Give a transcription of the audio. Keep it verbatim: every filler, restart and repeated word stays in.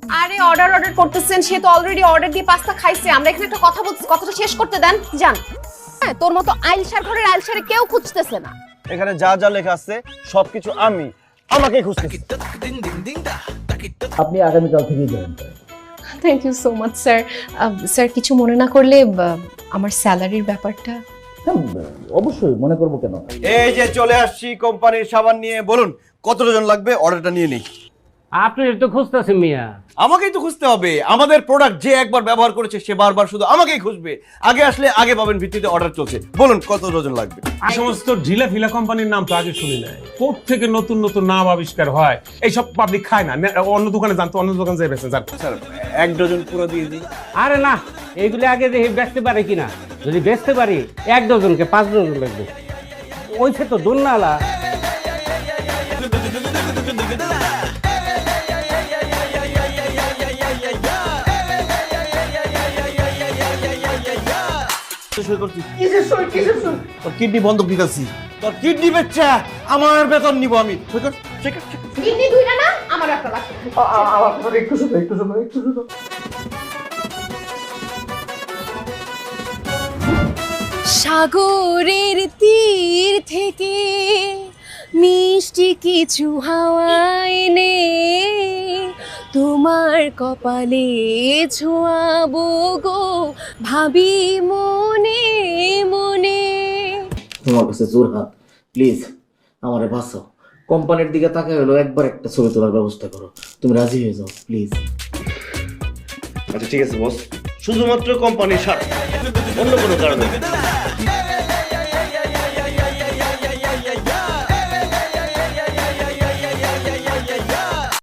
আরে order order করতেছেন, সে তো অলরেডি অর্ডার দিয়ে পাস্তা খাইছে। আমরা এখানে একটা কথা বলছি, কথাটা শেষ করতে দেন। যান। হ্যাঁ, তোর মতো আইলসার ঘরের আইলসারে কেউ খুঁজতেছে না। এখানে যা যা লেখা আছে সবকিছু আমি আমাকেই খুঁজতেছি। আপনি আগামীকাল থেকেই জয়েন করেন। Thank you so much sir. Sir কিছু মনে না করলে আমার স্যালারির ব্যাপারটা। হ্যাঁ, অবশ্যই মনে করবো কেন। এই যে চলে আসছি কোম্পানির সাবান নিয়ে, বলুন কত ডজন লাগবে, অর্ডারটা নিয়ে নেই। আপনি তো খুঁজতেছেন মিয়া। আমাকেই তো খুঁজতে হবে। আমাদের প্রোডাক্ট যে একবার ব্যবহার করেছে সে বারবার শুধু আমাকেই খুঁজবে। আগে আসলে আগে পাবেন ভিত্তিতে অর্ডার চলছে। বলুন কত ডজন লাগবে। এই সমস্ত ঢিলা ফিলা কোম্পানির নাম তো আগে শুনি নাই। কোথ থেকে নতুন নতুন নাম আবিষ্কার হয়, এইসব পাবলিক খায় না। অন্য দোকানে জানতো, অন্য দোকানে যাই বেছে যান। স্যার এক ডজন পুরো দিয়ে দিই। আরে না, এইগুলি আগে দেখি বেচতে পারে কিনা। যদি বেচতে পারি এক ডজনকে পাঁচ ডজন লাগবে। ওইছে তো দুর্নালা। কিডনি বন্ধক দিতেছি। তোর কিডনি বেচা আমার বেতন নিব আমি। কিডনি দুইটা না, আমার একটা লাগবে। একটু শুধু একটু শুধু একটু শুধু সাগরের তীর থেকে মিষ্টি কিছু হাওয়া এনে তোমার কপালে ছোঁয়াবো গো, ভাবি মনে মনে। তোমার কাছে জোর হাত, প্লিজ আমারে বাঁচাও। কোম্পানির দিকে তাকায় হলো একবার একটা ছবি তোলার ব্যবস্থা করো। তুমি রাজি হয়ে যাও প্লিজ। আচ্ছা ঠিক আছে বস, শুধুমাত্র কোম্পানির স্বার্থে, অন্য কোনো কারণে